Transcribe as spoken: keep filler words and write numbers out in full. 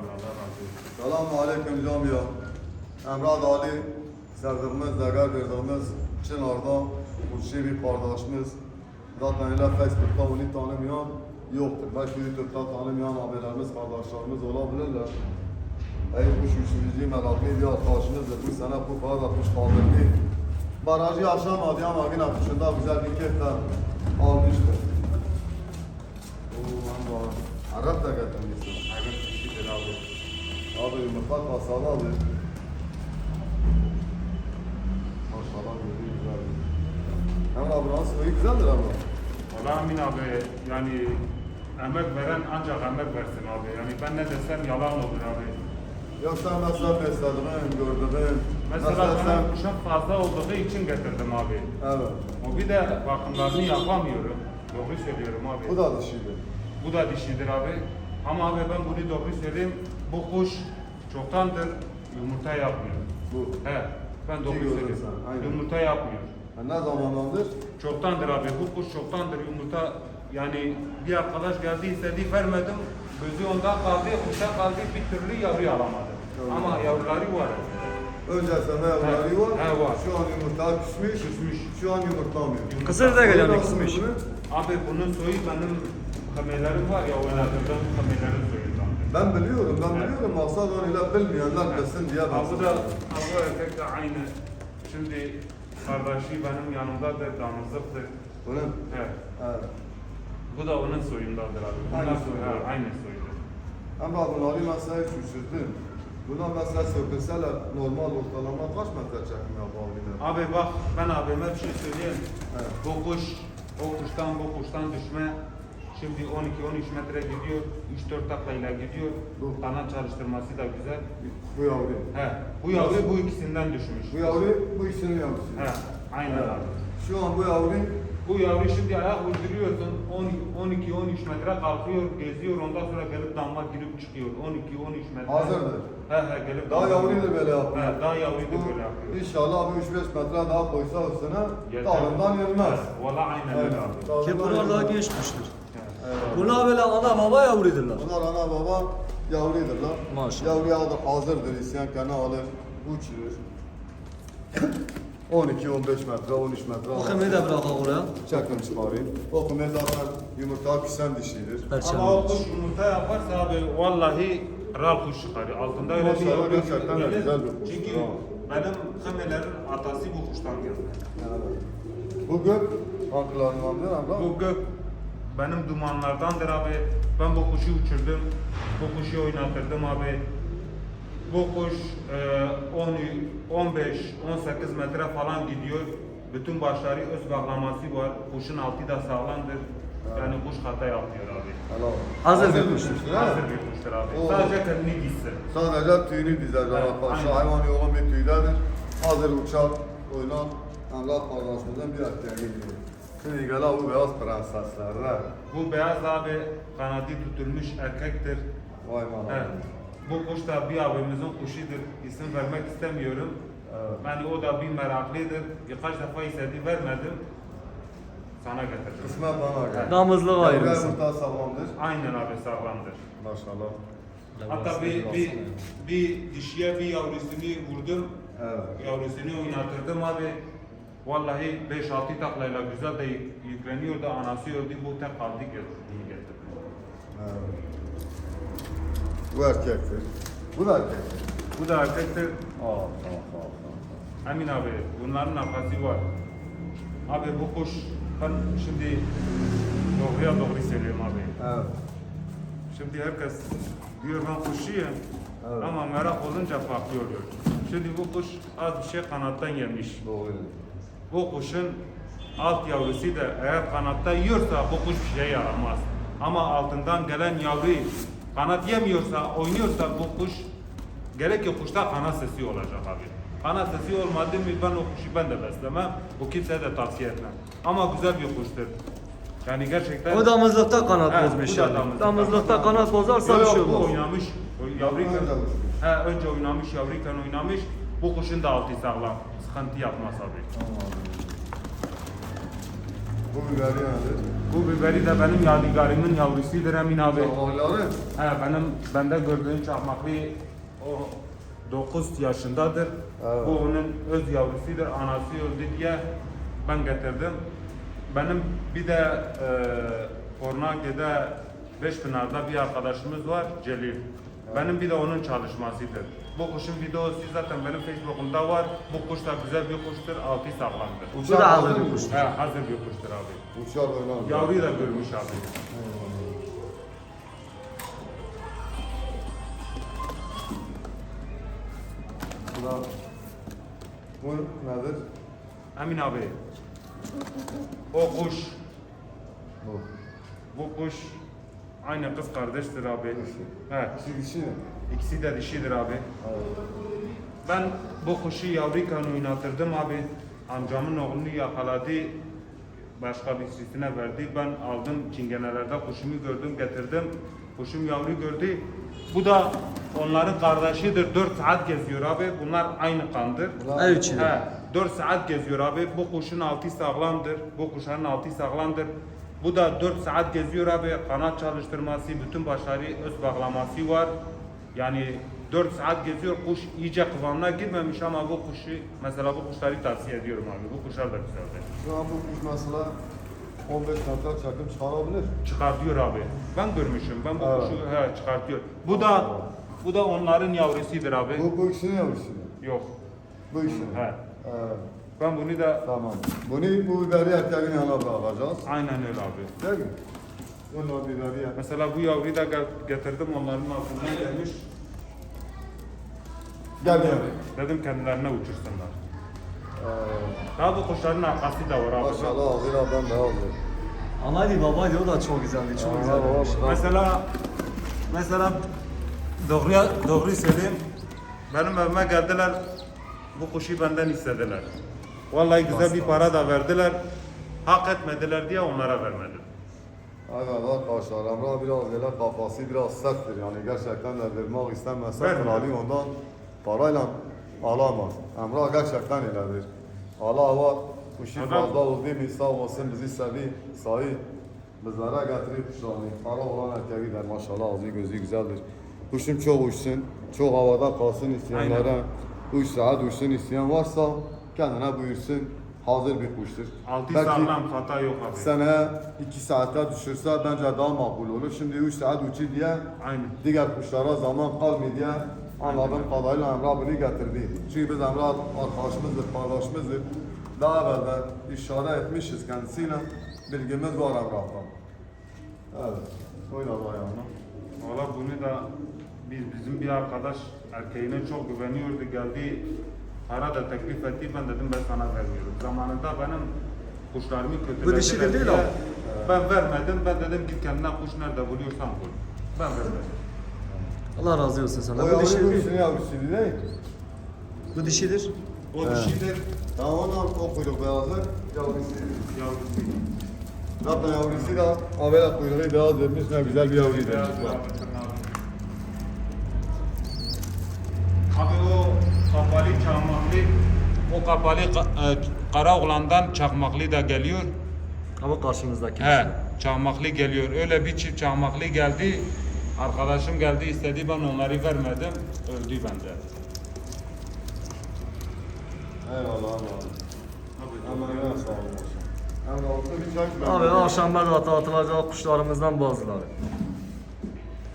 abi. Allah razı olsun. Selamun aleyküm camiye. Emrah Ali, sevdiğimiz, değer verdiğimiz Çınar'da Burçi bir kardeşimiz. Zaten öyle Facebook'ta onu tanımayan yoktur. Belki YouTube'da tanımayan abilerimiz, kardeşlerimiz olabilirler. Ey kuş üçüncü meraklı bir arkadaşımızdır. Bu sene bu kadar atmış kaldırdı. Barajı aşamadı ama yine kuşunda güzel bir keyifle almıştır. Oo, ben de Arap da getirmişsin. Hayırlı kişidir abi. Abi yumurta kasalı abi. Maşallah gözü güzel. Hemen abi nasıl iyi güzeldir ama. Valla Amin abi yani emek veren ancak emek versin abi. Yani ben ne desem yalan olur abi. Ya sen mesela beslediğin, gördüğün. Mesela sen... bana kuşak fazla olduğu için getirdim abi. Evet. O bir de bakımlarını yapamıyorum. Doğru söylüyorum abi. Bu da dişiydi. Bu da dişidir abi. Ama abi ben bunu doğru söyleyeyim. Bu kuş çoktandır yumurta yapmıyor. Bu. He, ben doğru gördün söylüyorum. sen, aynen. Yumurta yapmıyor. Ha, ne zamandandır? Çoktandır abi. Bu kuş çoktandır yumurta. Yani bir arkadaş geldi istedi vermedim. Gözü onda kaldı, kuşa kaldı. Bir türlü yavru alamadı. Yavru. Ama yavruları var. Önce sana yavruları var. He, var. Şu an yumurta küsmüş. Küsmüş. Şu an yumurtlamıyor. Yumurta- Kısır da geliyor Nasıl kısmış. bunu? Abi bunun soyu benim kameralarım var ya, oynadığım kameraların soyundan. Ben biliyorum, ben Evet. biliyorum. Maksat öyle bilmeyenler bilsin diye ben Abi da bu erkek de aynı. Şimdi kardeşi benim yanımdadır, damızlıktır. Bunun? Evet. Evet. Bu da onun soyundadır abi. Bunlar Aynı soyu, soyu. ha, aynı soyudur. Ama bunları mesela hiç uçurdum. Buna mesela sökülseler normal ortalama kaç metre çekim yapabilir? Abi bak ben abime bir şey söyleyeyim. Evet. Bu kuş, o kuştan bu kuştan düşme. Şimdi on iki on üç metre gidiyor, üç dört taklayla gidiyor. Bu. Kanat çalıştırması da güzel. Bu yavru. He, bu yavru bu ikisinden düşmüş. Bu yavru bu ikisinin yavrusu. He, aynen Evet. abi. Şu an bu yavru Bu yavru şimdi ayak uyduruyorsun, on iki on üç metre kalkıyor, geziyor, ondan sonra gelip damla girip çıkıyor. on iki on üç metre. hazırdır. He he, gelip Daha damla- yavruyu da böyle yapıyor. He, daha yavruyu da Bu böyle yapıyor. İnşallah bu üç beş metre daha koysa üstüne Yeter. dağından yenmez. He, Valla aynen Evet. öyle abi. dağından Ki bunlar daha yenmez. genç kuştur. Evet. Bunlar böyle ana baba yavruydular. Bunlar ana baba yavruydular. Maşallah. Yavruya hazır- hazırdır. İsyan kanı alır, uçurur. on iki on beş metre, on üç metre. O kemiği de bırakalım oraya. Çakın çıkarayım. O kume zaten yumurta küsen dişidir. Ama o Perçemimiz. kuş yumurta yaparsa abi vallahi kral kuş çıkarıyor. Altında öyle bir Maşallah, yavru gerçekten de gelir. güzel bir kuş. Çünkü Bravo. benim kımelerin atası bu kuştan geldi. Evet. Bu gök hangilarındandır abla? Bu gök benim dumanlardandır abi. Ben bu kuşu uçurdum. Bu kuşu oynatırdım abi. Bu kuş e, on, on beş on sekiz metre falan gidiyor. Bütün başları öz bağlaması var. Kuşun altı da sağlamdır. Yani kuş hata yapmıyor abi. Helal. Hazır bir kuştur. kuştur, ha? Hazır bir kuştur abi. Oo. Sadece kendini gitsin. Sadece tüyünü dizer Evet, arkadaşlar. aynen. Hayvan yoğun bir tüydedir. Hazır uçar, oynar. Allah kardeşimizin bir erkeği gibi. Şimdi gel bu beyaz prenseslerle. Bu beyaz abi kanadı tutulmuş erkektir. Vay bana. Evet. Bu kuş da bir abimizin kuşudur. İsim vermek istemiyorum. Evet. Yani o da bir meraklıdır. Birkaç defa istedi vermedim. Sana getirdim. Kısmet bana gel. Damızlık Yavru ayrılsın. yumurta sağlamdır. Aynen abi sağlamdır. Maşallah. Hatta bir, bir, bir dişiye bir yavrusunu vurdum. Evet. Yavrusunu oynatırdım abi. Vallahi beş altı taklayla güzel de yükleniyordu. Anası öldü. Bu tek kaldı diye getirdim. Evet. Bu erkektir. Bu da erkektir. Bu da erkektir. Aa, tamam, tamam, tamam. Emin abi bunların nafası var. Abi bu kuş ben şimdi doğruya doğru söylüyorum abi. Evet. Şimdi herkes diyor ben kuşuyum Evet. ama merak olunca farklı oluyor. Şimdi bu kuş az bir şey kanattan yemiş. Doğru. Bu kuşun alt yavrusu da eğer kanatta yiyorsa bu kuş bir şey yaramaz. Ama altından gelen yavru kanat yemiyorsa, oynuyorsa bu kuş gerek ki kuşta kanat sesi olacak abi. Kanat sesi olmadı mı ben o kuşu ben de beslemem. Bu kimseye de tavsiye etmem. Ama güzel bir kuştur. Yani gerçekten... O damızlıkta kanat He, bozmuş bu da yani. damızlıkta. Damızlıkta kanat bozarsa bir Yok, şey bu olmaz. oynamış. o Yavruyken, Önce uçmuş. he, önce oynamış, yavruyken oynamış. Bu kuşun da altı sağlam. Sıkıntı yapmaz abi. Tamam. Bu biberi nedir? Bu biberi de benim yadigarımın yavrusudur Emin abi. Çakmakları. He, benim bende gördüğün çakmaklı o dokuz yaşındadır. Evet. Bu onun öz yavrusudur. Anası öldü diye ben getirdim. Benim bir de e, Kornage'de Beşpınar'da bir arkadaşımız var Celil. Benim bir de onun çalışmasıdır. Bu kuşun videosu zaten benim Facebook'umda var. Bu kuş da güzel bir kuştur. Altı sağlamdır. Bu da hazır bir kuştur. He, hazır bir kuştur abi. Uçar oynar. Yavruyu da görmüş abi. Bu da... Bu nedir? Emin abi. O kuş, Bu. bu kuş aynı kız kardeştir abi. He, Kişi kişi mi? ikisi de dişidir abi. Evet. Ben bu kuşu yavruyken oynatırdım abi. Amcamın oğlunu yakaladı. Başka birisine verdi. Ben aldım çingenelerde kuşumu gördüm getirdim. Kuşum yavru gördü. Bu da onların kardeşidir. dört saat geziyor abi. Bunlar aynı kandır. Ev içinde. He, dört saat geziyor abi. Bu kuşun altı sağlamdır. Bu kuşların altı sağlamdır. Bu da dört saat geziyor abi. Kanat çalıştırması, bütün başları öz bağlaması var. Yani dört saat geziyor. Kuş iyice kıvamına girmemiş ama bu kuşu, mesela bu kuşları tavsiye ediyorum abi. Bu kuşlar da güzeldir. Şu an bu kuş mesela on beş metre çakım çıkarabilir. Çıkartıyor abi. Ben görmüşüm. Ben bu Evet. kuşu he, çıkartıyor. Bu da bu da onların yavrusudur abi. Bu, bu kişinin yavrusu mu? Yok. Bu kişinin. He. Evet. Ben bunu da Tamam. Bunu bu biberi erkeğin yanına bırakacağız. aynen öyle abi. Değil mi? Bunu biberi yer. Mesela bu yavruyu da gel- getirdim onların altından gelmiş. Gel gel. Dedim kendilerine uçursunlar. Ee, Daha bu kuşların arkası da var abi. maşallah ağzıyla ben beyazdır. Anaydı babaydı o da çok güzeldi. Çok Aa, güzel bir baba, kuş. baba. Mesela mesela doğruya doğruyu söyleyeyim. Benim evime geldiler. Bu kuşu benden istediler. Vallahi güzel bir para da verdiler. Hak etmediler diye onlara vermedim. Aynen arkadaşlar Emrah biraz böyle kafası biraz serttir yani gerçekten de vermek istemezse Vermiyor. kralı ondan parayla alamaz. Emrah gerçekten öyledir. Allah var, kuşu Adam- fazla oldu mu sağ olsun bizi sevi, sahi bizlere getirip kuşlarını. Para olan erkeği der maşallah ağzı gözü güzeldir. Kuşum çok uçsun, çok havada kalsın isteyenlere, üç saat uçsun isteyen varsa kendine buyursun. Hazır bir kuştur. Altı Belki- sağlam hata yok abi. Seneye iki saate düşürse bence daha makbul olur. Şimdi üç saat uçu diye Aynen. diğer kuşlara zaman kalmıyor diye anladığım kadarıyla Emrah bunu getirdi. Çünkü biz Emrah arkadaşımızdır, kardeşimizdir. Daha evvelden işaret etmişiz kendisiyle. Bilgimiz var Emrah'tan. Evet. Öyle var yani. Valla bunu da biz bizim bir arkadaş erkeğine çok güveniyordu geldi. Para da teklif etti. Ben dedim ben sana vermiyorum. Zamanında benim kuşlarımı kötülediler. Bu dişidir değil diye mi? Ben vermedim. Ben dedim git kendine kuş nerede buluyorsan bul. Ben vermedim. Allah razı olsun sana. O Bu yavru bu dişidir. işini yavrusuydu değil. Bu dişidir. O dişidir. Tamam ondan o kuyruk beyazı yavrusuydu. Yavrusu. Zaten yavrusu da habere kuyruğu beyaz vermiş ne güzel bir yavruydu. Beyaz abi, tırnağı. Abi o kapalı çakmaklı, o kapalı ka- e, kara oğlandan çakmaklı da geliyor. Ama karşımızdaki. He, çakmaklı geliyor. Öyle bir çift çakmaklı geldi. Arkadaşım geldi istedi ben onları vermedim. Öldü bende. Eyvallah Allah. Hemen yine sağ olun. Hemen altı bir çay içmem. Abi akşam da atılacak kuşlarımızdan bazıları.